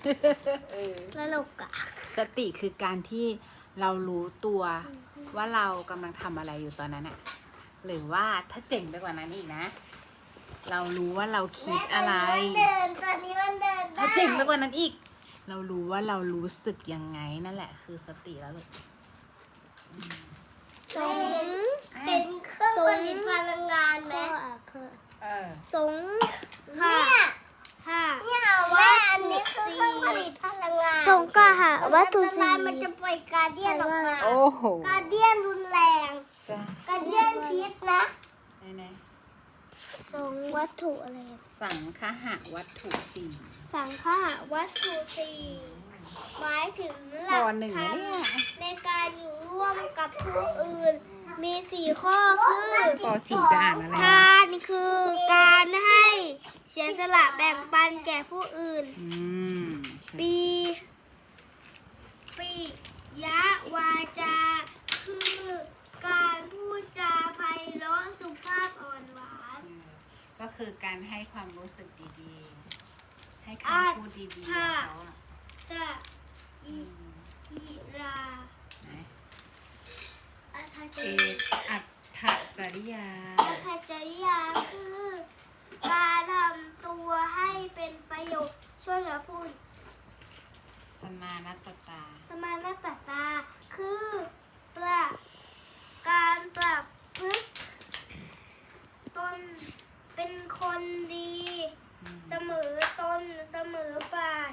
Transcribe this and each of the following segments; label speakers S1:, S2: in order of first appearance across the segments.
S1: ตลกอะ
S2: สติคือการที่เรารู้ตัวว่าเรากำลังทำอะไรอยู่ตอนนั้นอะหรือว่าถ้าเจ๋งไปกว่านั้นอีกนะ เรารู้ว่าเราคิดอะไร
S1: ตอนนี้มันเดินได้
S2: ถ้าเจ๋งไปกว่านั้นอีก เรารู้ว่าเรารู้สึกยังไงนั่นแหละคือสติแล้วลูก
S1: สงเป็นเครื่องผลิตพลังงานไหม
S3: สง
S1: ค่ะ
S3: ค่ะ
S1: เนี่ยว่าอันนี้คือเครื่องผลิตพลังงาน
S3: สงกะหาวัตถุ
S1: อันต
S3: สี
S1: รายมันจะปล่อยการเดียนออกมา
S2: โอ้โห
S1: การเดียนรุนแรง
S2: จ้า
S1: การเดียนพิษนะ
S2: ไหน
S3: สงวัตถุอะไร
S2: ๆสังคหะวัตถุสี่
S3: สังฆะวัตถุสี่หมายถึงหลั
S2: ป
S3: ก
S2: หนึ่ง
S3: ธร
S2: นะ
S3: รม
S2: เนี่ย
S3: ในการอยู่ร่วมกับผู้อื่น มีสี่ข้อคือ
S2: ปสี่จะอ่านอะไร
S3: ทานคือการให้เสียสละแบ่งปันแก่ผู้อื่น
S2: อืม
S3: ปียะวาจา คือการพูดจาไพเราะสุภาพอ่อนหวาน
S2: ก็คือการให้ความรู้สึกดีๆ ให้คำพูดดีๆกับเขาอะ
S3: จะอิรา
S2: ไหน
S3: อัต
S2: เอ
S3: จ
S2: อัตถจริยา
S3: จริยาคือ การทำตัวให้เป็นประโยชน์ช่วยเหลือผู้อื่น
S2: สมานัตตา
S3: สมานตตาคือการปรับพฤติตนเป็นคนดี เสมอตนเสมอฝ่าย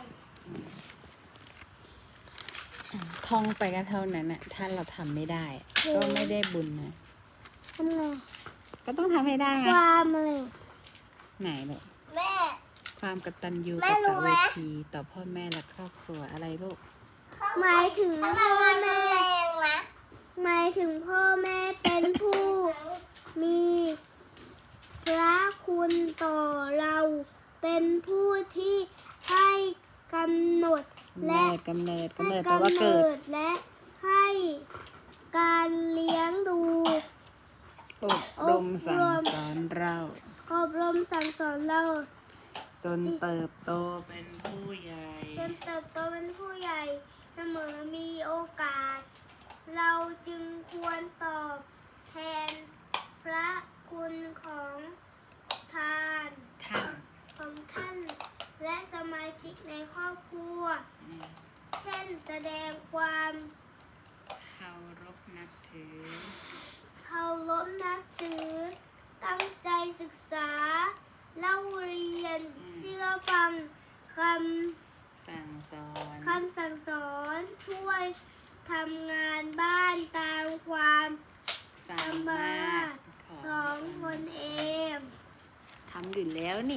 S2: ท่องไปก็เท่านั้นน่ะถ้าเราทำไม่ได้ ก็ไม่ได้บุญนะ
S3: ทำไง
S2: ก็ต้องทำให้ได้ไง
S3: ความอะไร
S2: ไหนลูก
S1: แม่
S2: ความกตัญญู
S1: แม่
S2: ก
S1: รู้
S2: ต
S1: ไหม
S2: เวทีต่อพ่อแม่และครอบครัวอะไรลูก
S3: หมายถึง
S1: พ
S3: พ่
S1: ลั
S3: อง
S1: งานมัน
S3: แม่
S1: แรงนะ
S3: หมายถึงพ่อแม่เป็นผู้มีพระคุณต่อเรา เป็นผู้ที่ให้กำหนดและ
S2: กำเนิด
S3: ให้
S2: แปลว่าก
S3: ำ
S2: เกิ
S3: เนิ
S2: ด
S3: ดและให้การเลี้ยงดู
S2: อบรมสั่งสอนเรา
S3: อบรมสั่งสอนเรา
S2: จนเติบโตเป็นผู้ใหญ่
S3: จนเติบโตเป็นผู้ใหญ่ เสมอมีโอกาส เราจึงควรตอบแทนพระคุณของทาน
S2: ท่าน
S3: ของท่าน และสมาชิกในครอบครัว เช่นแสดงความ
S2: เคารพนับถือ
S3: เคารพนับถือ ตั้งใจศึกษา เล่าเรียน เชื่อฟังค
S2: สั่งสอน
S3: คำสั่งสอน ช่วยทำงานบ้านตามความ
S2: สามารถ
S3: ของตนเอง
S2: ทำอยู่แล้วนี่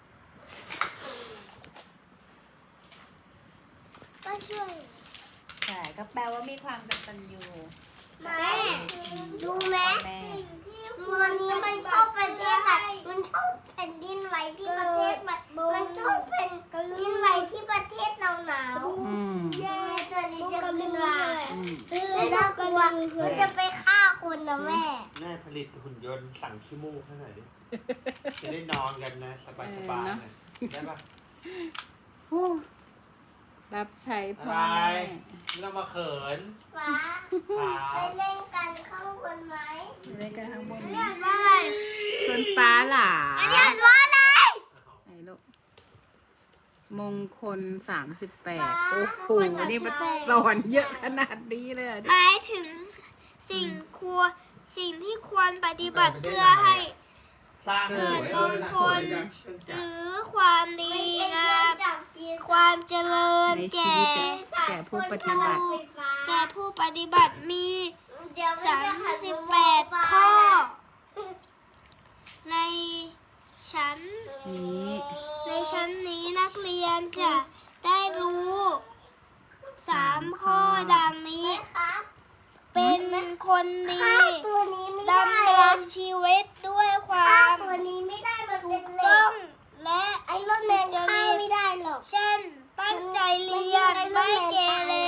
S3: ก็ช่วย
S2: ใช่ก็แปลว่ามีความกตัญญู
S1: แม่ดูไหม
S2: แม่
S1: วันนี้มันชอบประเทศไหนมันชอบแผ่นดินไหวที่ประเทศมันชอบแผ่นดินไหวที่ประเทศหนาว
S2: อืม
S1: ๆแม่ตัวนี้จะขึ้นมา
S2: อืม
S1: แล้วน่ากลัวมันจะไปฆ่าคนนะแม่
S4: แม่ผลิตหุ่นยนต์สั่งขี้มูกให้หน่อยดิ จะได้นอนกันนะ สบายๆนะได้ปะ
S2: โอ้รับใช้พ่อ
S4: อะไร
S2: แม่
S4: ไม่ต้องมาเขิน
S1: ฟ้า
S4: ขา
S1: ไปเล่นกันข้างบนไหม
S2: อยู่ในกระทั่งบน
S3: อัน
S2: นี้
S3: นี้อ่านว่าอะไร
S2: ชวนฟ้าหลา
S3: อันนี้อ่านว่าอะไร
S2: ไหนลูกมงคล38 โอ้โห นี่มันสอนเยอะขนาดนี้เลยเหรอ
S3: หมายถึงสิ่งที่ควรปฏิบัติเพื่อให้
S4: สร้าง
S3: เกิดมงคล
S4: เครื่องจักร
S3: หรือความดีงามความเจริญ
S2: ในชี
S3: แก่
S2: วิตอะแก่ผู้ปฏิบัติ
S3: แก่ผู้ปฏิบัติมี
S1: เดี๋ยวมันจะหันมุมมองฟ้า
S3: 38 ข้อ
S1: นะ
S3: ในชั้น
S2: นี้
S3: นี้นักเรียนจะได้รู้3 ข้อดังนี้
S1: ครับ
S3: เป็นคนดี
S1: ฆ่าตัวนี้ไม่ได้
S3: ดำเนินชีวิตด้วยควา
S1: ฆ่าม ตัวนี้ไม่ได้มัน
S3: ถู
S1: เป็น
S3: ก
S1: เหล็
S3: ต้อก งและ
S1: ไอ้รถแมนฆ่าไม่ได้หรอก
S3: เช่น ตั้งใจเรียนไม่เกเร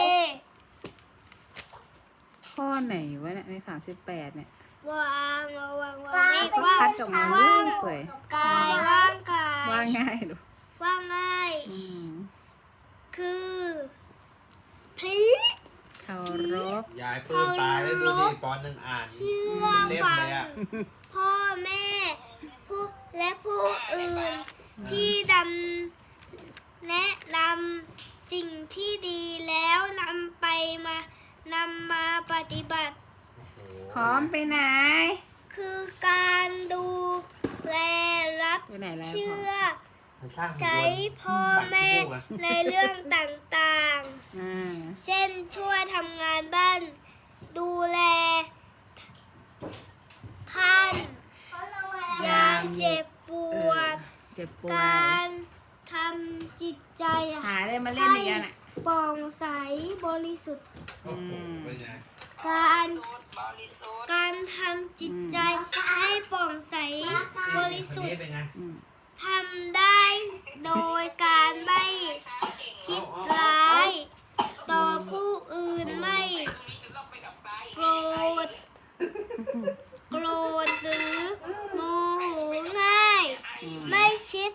S2: ข้อไหนวะเนี่ยใน38เนี่ย
S3: วางระวัง
S1: ฟ้า
S3: ไม่
S1: ไป
S3: ว่าง
S2: คัดออกมาเรื่อยเปื่อย
S3: กายว่างกาย
S2: ว่าง่ายดู
S3: ว่างง่าย
S2: อืม
S3: คื
S4: ายปลื้มตายแล้วดูดิปอนหนึ่งอ่าน
S3: เชื่อ
S4: เล่ม
S3: ฟัง
S4: เลยอ่ะ
S3: พ่อแม่ผู้และผู้อื่นที่แนะนำสิ่งที่ดีแล้วนำมาปฏิบัติ
S2: พร้อมไปไหน
S3: คือการดูแลรับ
S2: ไปไหนแล้ว
S3: เชื่อ
S4: มันสร้าง
S3: ใช้พ่อแม่ในเรื่องต่าง
S2: อ่า
S3: ๆ เช่นช่วยทำงานบ้าน ดูแลท่าน
S1: เขาลงมาแล้ว
S3: ยามเจ็บปวด
S2: เจ็บป่วย
S3: การทำจิตใจ
S2: หาอะไรมาเล่นอีกอ่ะน่ะ
S3: โปร่งใสบริสุทธิ์
S4: โอ้โหเป็นไง
S3: การทำจิตใจให้โปร่งใสบริสุท
S4: คนนี้
S3: ธิ์
S4: เป็นไง
S3: ทำได้โดยการไม่คิดร้าย ต่อผู้อื่นไม่โกรธหรือโมโหง่าย ไม่ชิด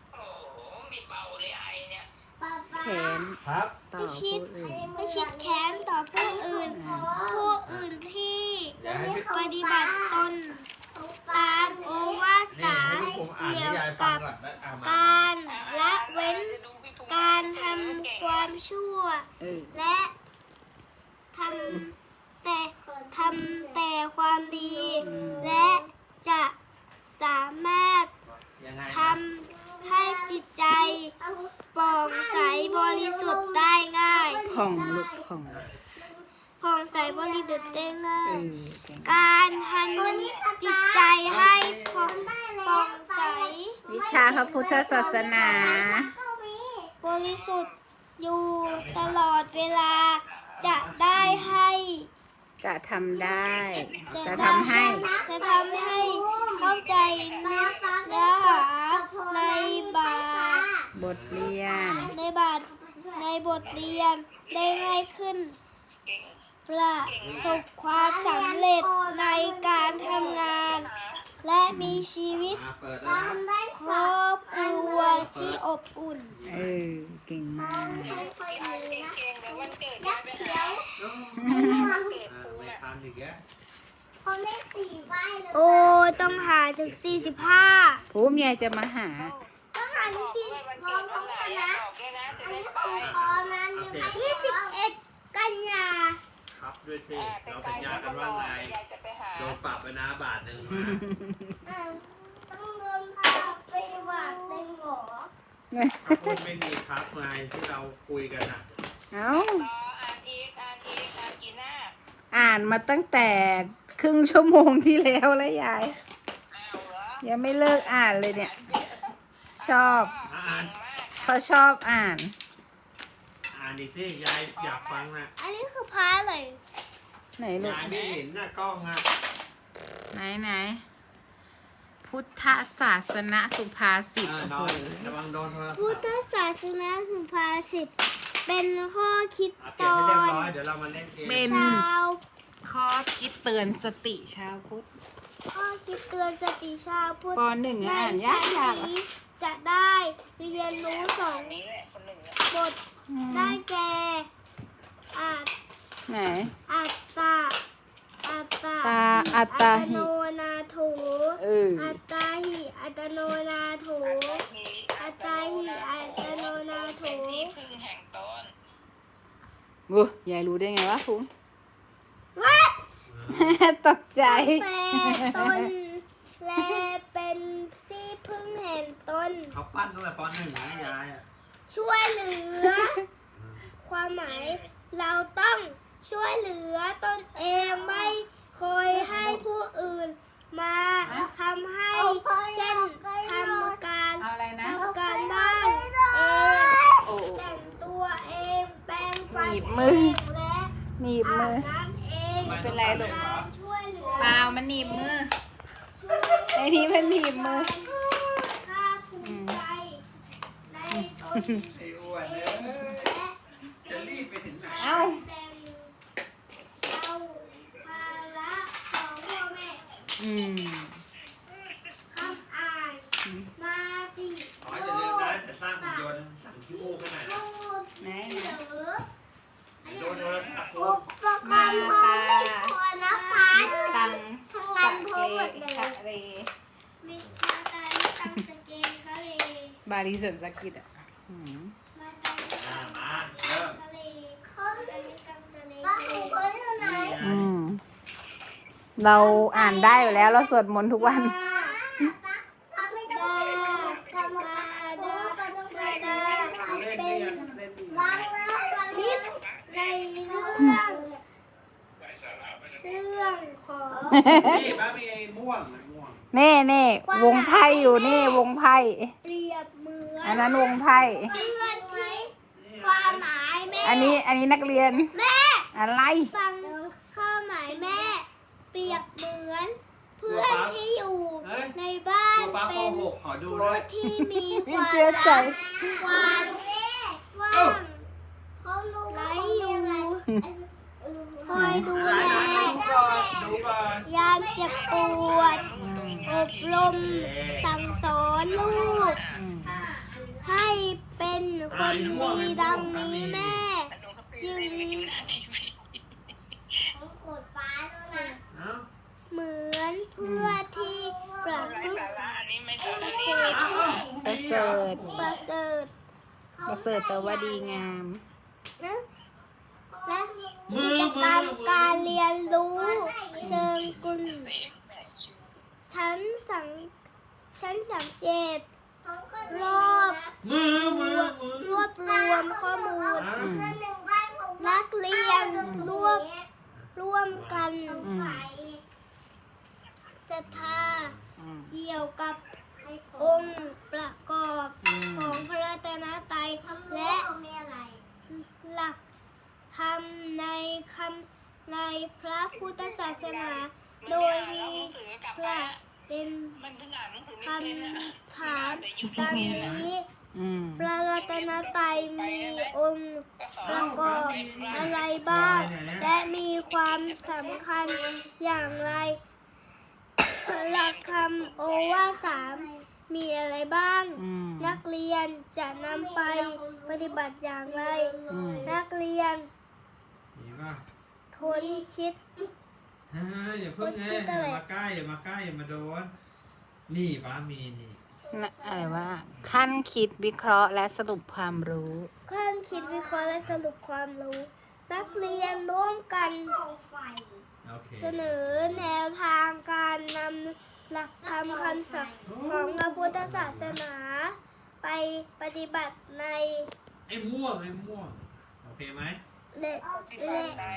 S2: แขน
S4: ครับ
S2: ต่อ
S3: ไม่ชิด
S2: ผู้อื่น
S3: ไม่ชิดแค้นต่อผู้อื่น ผู้อื่นที่
S4: เดี๋ยวให้พี่
S3: ปฏิบัติตนตามโอวาท
S4: นี่
S3: สา
S4: ให้พี่ผมอ่าน
S3: เกี่
S4: ให้
S3: ยว
S4: ยายฟั
S3: กั
S4: ง
S3: บ
S4: ก่อนแล้วเอามา
S3: การละเว้นการทำความชั่ว
S2: เออ
S3: และทำแต่ความดี และจะสามารถ
S4: ยังไง
S3: ทำให้จิตใจโปร่งใสบริสุทธิ์ได้ง่าย
S2: ผ่องลูกผ่อง
S3: ผ่องใสบริสุทธิ์ได้ง่า
S2: เอย อเก่ง
S3: การทำจิตใจให้ผ่องใส
S2: วิชาพระพุทธศาสนา
S3: บริสุทธิ์อยู่ตลอดเวลาจะได้ให้
S2: จะทำได้ จะ
S3: ทำ
S2: ทำให้
S3: เข้าใจเนื้อหาในบาท
S2: บทเรียน
S3: ในบทเรียนได้ง่ายขึ้น ประสบความสำเร็จในการทำงาน และมีชีวิต
S4: เปิดแล้วนะ
S3: ครอบครัวที่อบอุ่น
S2: เออ เก่งมาก
S4: ไม่ทำอีกแล้ว
S1: เขาเล่นสี่ใบเลย
S3: โอ้ต้องหาถึง 45
S2: ภูมิยายจะมาหา
S1: ต้องหาที่สี่รอพร้อมกันนะ อันนี้ของพอนะนี่21 กันยา
S4: ครับด้วยสิเราสัญญากันว่าไงโดนปรับไปนะบาทหนึ่งมา
S1: ต้องโดนพาไปบาทหนึ่งเหรอ
S4: ถ้าพูดไม่มีครับไงที่เราคุยกันนะ
S2: เอ้า อ่านมาตั้งแต่ครึ่งชั่วโมงที่แล้วแล้วยาย ยังไม่เลิกอ่านเลยเนี่ย ชอบ
S4: อ่าน
S2: เขาชอบอ่าน
S4: อ่านอีกสิยายอยากฟังนะ
S3: อันนี้คือพาเลย
S2: ไหนลูก
S4: ยายไม่เห็นหน้ากล้องอ่ะ
S2: ไหน พุทธศาสนสุภาษิต
S4: นอนระวังโดนโทรศัพท์
S3: พุทธศาสนาสุภาษิตเป็นข้อคิด
S4: เก็
S3: ต
S4: บ
S3: อ
S4: ให้เรียบ
S3: น
S4: ร้อยเดี๋ยวเรามาเล่นเกม
S2: เป็น
S3: ชาว
S2: ข้อคิดเตือนสติชาวพุทธ
S3: ข้อคิดเตือนสติชาวพุทธ
S2: ปหนึ่ง
S3: ใน
S2: อ่านยา
S3: ชั้น
S2: กๆ
S3: นี้จะได้เรียนรู้สองบทได้แก่อัต
S2: ไหน
S3: อัตตาอัตตา
S2: อัตตาหิ
S3: โนนาโถ
S2: เออ
S3: อัตตาหิอัตโนนาโถอัตตาหิอัตโนนาโถ
S2: อู้ยายรู้ได้ไงวะภูมิ
S3: วัด
S2: ตกใจ
S3: แปรตนและเป็นที่พึ่งแห่งตน
S4: เขาปั้นตั้งแต่ปหนึ่งนะยายอ่ะ
S3: ช่วยเหลือ ความหมายเราต้องช่วยเหลือตนเองไม่คอยให้ผู้อื่นมาทำให้ เช่นทำการ
S2: เอาอะไรนะ
S3: ทำการบ้านเอง
S2: โอ้
S3: แต่งตัวเองแปรงฟัน
S2: หนีบ
S3: เอ
S2: มือ
S3: งและ
S2: หนีบ
S3: อา
S2: มื
S3: บ
S2: อ
S3: น้ำเอง
S2: ไม่เป็นไรหรอก
S3: การช่วยเหลือ
S2: เปล่ามันหนีบมือ
S3: ช่วย
S2: ไอ้นี่มันหนีบมือ
S3: ภาคภูมิใจในตน
S4: ไอ้อ้วนเอ้ย
S3: และ
S4: จะรีบไปถึงไหน
S2: เอ้า
S3: แบ่งเอาภาระของพ่อแม่
S2: อืม
S3: คำอ่านมาติ
S4: อ๋ออย่าลืมนะจะสร้างหุ่นยนต์สั่งขี้มูกกันหน่อยนะ
S3: พูด
S2: ไหน
S3: หรือ
S4: โดนโทรศัพท์
S1: อุปก่อนพอไม่พอนะฟ้าดู
S2: ตัง
S1: ทั้ง
S2: สะ
S1: นั้นพ
S2: เก
S1: อหมดเลย
S2: ทะเล
S3: มีมาตายไม่ตังสเกนทะเล
S2: บาลีสวนสกิดอ่ะอืม
S3: มาตายไม่ตัง
S4: มาเริ่ม
S3: ทะเล
S1: เขา
S3: ตายไม่ตังทะเล
S1: ป้าหูคนอยู่ไหน
S2: อืมเราอ่านได้อยู่แล้วเราสวดมนต์ทุกวัน
S1: ป้าไม่ต้องกรรมการป้าต้องไปได้
S4: เล่นนี่ยังเล่นนี่
S1: วางเลยวางนิด
S3: ในเรื่องของ
S4: นี่ป้ามีไอ้ม่วงม่วง
S2: เน่เน่วงไพ่อยู่นี่วงไพ่
S3: เปรียบเหมือน
S2: อันนั้นวงไพ่
S1: เพื่อนที่ความหมายแม่
S2: อันนี้นักเรียน
S1: แม่
S2: อะไร
S3: ฟังข้อหมายแม่ เปรียบเหมือน เพื่อนที่อยู่ในบ้าน
S4: ตัวป้าป
S3: เป็น
S4: .6 ขอดู
S3: ผู้
S4: ด้วย
S3: ที่มีค
S2: ไม่
S3: วาม
S2: เชื่อใจ
S3: ความ
S1: แม่
S3: ว่าง
S1: เขารู้
S3: ไร้
S1: ว่า
S3: อยู่
S1: คอยดู
S3: ดูแล
S4: ดูก่อน
S3: ยามเจ็บปวด อบรมสั่งสอนลูก
S2: อืม
S3: ให้เป็นคนดีดังนี้แม่ จึง
S1: เขากดฟ้าแล้วนะ
S4: เอ้า
S3: เหมือนเพื่อที่ประพฤติประเสริฐ
S2: ประเสริฐ
S3: ประเสริฐ
S2: ประเสริฐแปลว่าดีงาม
S3: นะและกิจกรรมการเรียนรู้เชิงกลฉันสังเกต
S1: เขาก็
S3: รอบ
S4: มือ
S3: รวบรวมข้อมูล
S1: เพื่อนหนึ่งบ้านผม
S3: นักเรียนร่วมกัน
S2: อืม
S3: ศรัทธา
S2: อืม
S3: เกี่ยวกับองค์ประกอบ
S2: อืม
S3: ของพระรัตนตรัย
S1: และ
S3: และ
S1: มีอะไร
S3: หลักธรรมในพระพุทธศาสนา โดยมีประเด็นคำถามดังนี้
S2: อืม
S3: พระรัตนตรัยมีองค์ประกอบอะไรบ้าง และมีความสำคัญอย่างไร หลักคำโอวาทสามมีอะไรบ้าง
S2: อืม
S3: นักเรียนจะนำไปปฏิบัติอย่างไร
S2: อืม
S3: นักเรียน
S4: มีป่ะ
S3: คนคิด
S4: อย่าเพิ่ง
S3: คิดอะไร
S4: มาใกล้อย่ามาใกล้อย่ามาโดน นี่ป้ามีนี่
S2: นะอะไรวะขั้นคิดวิเคราะห์และสรุปความรู้
S3: ขั้นคิดวิเคราะห์และสรุปความรู้ นักเรียนร่วมกัน
S1: ของไฟ
S4: โอเค
S3: เสนอแนวทางการนำหลักธรรมคำสอนของพระพุทธศาสนา ไปปฏิบัติใน
S4: ไอ้ม่วงโอเคไหม
S3: เละเละ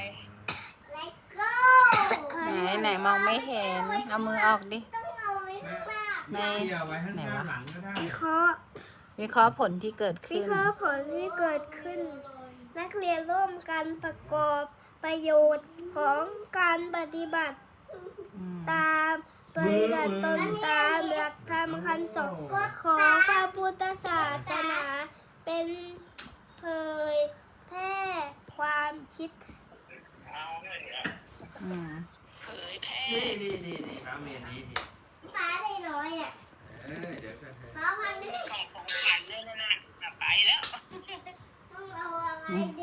S1: Let's go
S2: ไหนมองไม่เห็น เอามือออกดิ
S1: ต้องเอาไว้ข้างหน้า
S2: ใน
S4: เกี่ยวไว้ข้างหน้าหลังก็ได้
S3: วิเคราะห์
S2: วิเคราะห์ผลที่เกิด
S3: วิ
S2: ขึ้น
S3: เคราะห์ผลที่เกิดขึ้น นักเรียนร่วมกันประกอบประโยชน์ของการปฏิบัติ
S2: อืม
S3: ตามปฏิบัติตนตามหลักธรรมคำสอนของพระพุทธศาสนา เป็นเผยแพร่ความคิด
S2: อืม
S4: นี่ป้ามีอันนี้นี่
S1: ฟ้าได้น้อยอ่ะ
S4: เดี๋ยวกันเถอะ
S1: ฟ้าพันนี้ต้องเอาอะไรดี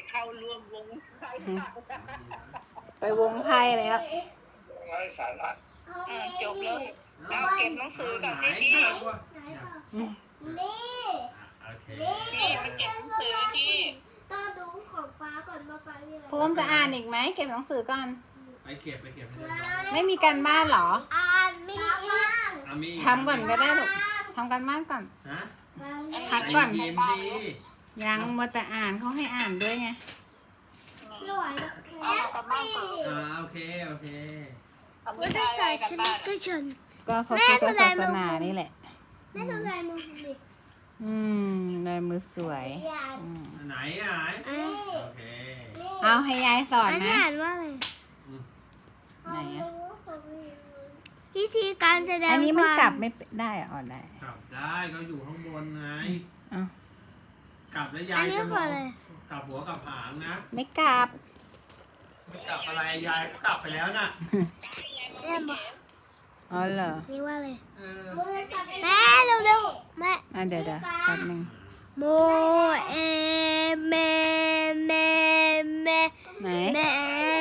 S2: ไปวงไพ่แล้ว
S1: เอาไง
S5: จบ
S1: ดี
S5: แล้วเราเก็บหนังสือก่อนสิพี่
S1: นี่
S4: โอเค
S5: พี่ไปเก็บหนังสือพี่
S3: ต้องดูของป้าก่อนว่าป้ามีอะไร
S2: ภูมิจะอ่านอีกไหมเก็บหนังสือก่อน
S4: ไปเก็บให้เรียบร้อย
S2: ไม่มีการบ้านเหรอ
S3: อ่านมีอีก
S4: เอามี
S2: ทำก่อนก็ได้ลูกทำการบ้านก่อน
S4: ฮะ
S2: พักก่อน
S4: ใจเย็นดี
S2: ยังมัวแต่อ่านเขาให้อ่านด้วยไง
S3: หน่วย
S1: แอปปี้
S4: โอเค
S3: พุทธศาสนิกชน
S2: ก็พระพุทธศาสนานี่แหละ
S3: แม่ทำลายมือผมดิ
S2: อืมลายมือสวยอืม
S4: ไหน
S1: นี่
S4: โอเค
S1: นี่
S2: เอาให้ยายสอน
S3: อันนี้
S2: นะ
S3: อ่านว่าอะไร
S2: ไหนอะ
S3: วิธีการแสดง
S2: อันนี้มัน
S3: ความ
S2: กลับไม่ได้เหรออ๋อได้
S4: กลับได้ก็อยู่ข้างบนไง
S2: เอา
S4: กลับแล้วยาย
S3: อันนี้คืออะไร
S4: กลับหัวกลับหางนะ
S2: ไม่กลับ
S4: ไม่กลับอะไรยายก็กลับไปแล้วน่ะ
S3: แม่บอก
S2: อ๋อเหรอ
S3: นี่ว่าอะไร
S4: เออ
S1: มือสับ
S3: แม่เร็วๆแม่
S2: อ่ะเดี๋ยวแป๊บนึง
S3: โมเอแม่แม่แม่
S2: ไหน
S3: แม่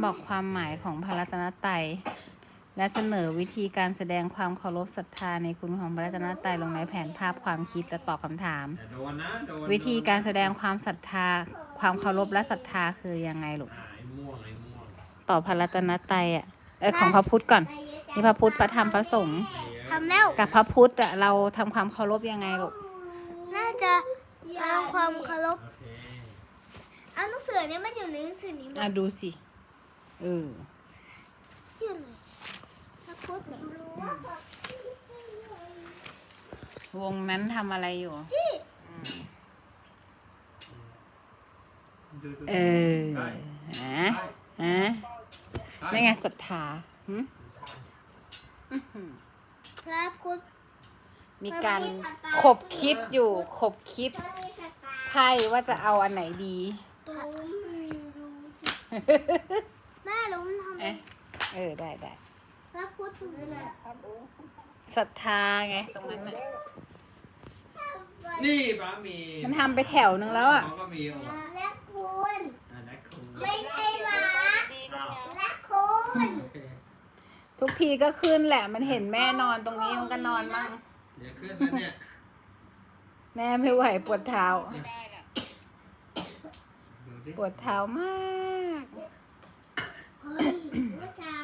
S2: บอกความหมายของพระรัตนตรัยและเสนอวิธีการแสดงความเคารพศรัทธาในคุณของพระรัตนตรัยลงในแผนภาพความคิดและตอบคำถาม
S4: แต่โดนนะโดน
S2: วิธีการแสดงความศรัทธาความเคารพและศรัทธาคือยังไงลูก
S4: ไอ้ม่วงไอ้ม่วง
S2: ต่อพระรัตนตรัยของพระพุทธก่อนนี่พระพุทธพระธรรมพระสงฆ์
S3: ทำแล้ว
S2: กับพระพุทธเราทำความเคารพยังไงลูก
S3: น่าจะเอาความเคารพ
S4: โอเค
S3: เอาหนังสือเนี่ยมันอยู่ในหนังสือนี้มั้
S2: อ่ะ
S3: ย
S2: ดูสิเออ
S3: อยู่ไหนพระพุทธเหรอ
S2: วงนั้นทำอะไรอยู่
S4: ดู
S2: เออ
S4: ได้
S2: ฮะฮะนี่ไงศรัทธาหึ
S3: พระพุทธ
S2: มีการขบคิดอยู่ขบคิดไพ่ว่าจะเอาอันไหนดี
S3: แม่รู้มันทำไม
S2: เอ๊ะได้
S3: พระพุทธคืออะไร
S2: ศรัทธาไงตรงนั้นน่ะ
S4: นี่ป้ามี
S2: มันทำไปแถวนึงแล้วอ่ะ
S4: เขาก็มีอ่ะ
S1: และคุณ
S4: และคุณ
S1: ไม่ใช่หมา
S4: อ้าว
S1: และคุณ
S4: โอเค
S2: ทุกทีก็ขึ้นแหละ มันเห็นแม่นอนตรงนี้มันก็นอนมั่ง
S4: เดี๋ยวขึ้นแล้วเนี่ย
S2: แม่ไม่ไหวปวดเท้า
S5: ไม่ได้น่ะ
S4: ดูดิ
S2: ปวดเท้ามาก
S1: เฮ้ย